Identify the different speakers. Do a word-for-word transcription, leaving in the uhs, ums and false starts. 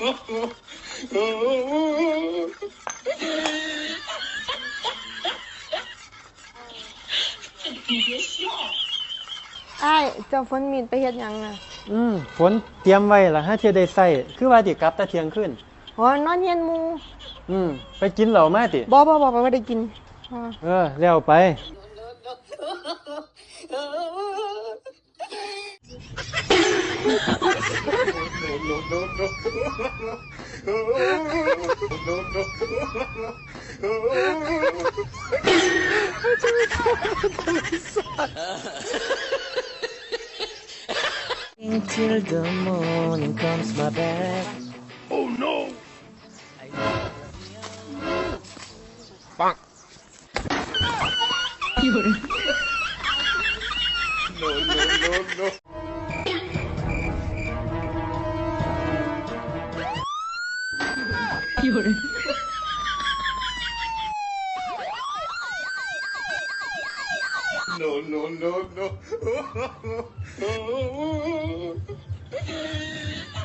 Speaker 1: ไอ้เจ้าฝนมีดไปเฮ็ดหยังน่ะ
Speaker 2: อืมฝนเตรียมไว้ล่ะฮะเที่ยได้ใส่คือว่าสิกลับแต่เที่ยงคืน
Speaker 1: อ๋อนอนเฮียนหมู่
Speaker 2: อืมไปกินเหล้ามาติ
Speaker 1: บ่บ่บ่บ่ได้กิน
Speaker 2: เออแล้วไปTill the morning comes my back. Oh no! Bonk. No, no, no, no. No, no, no, no.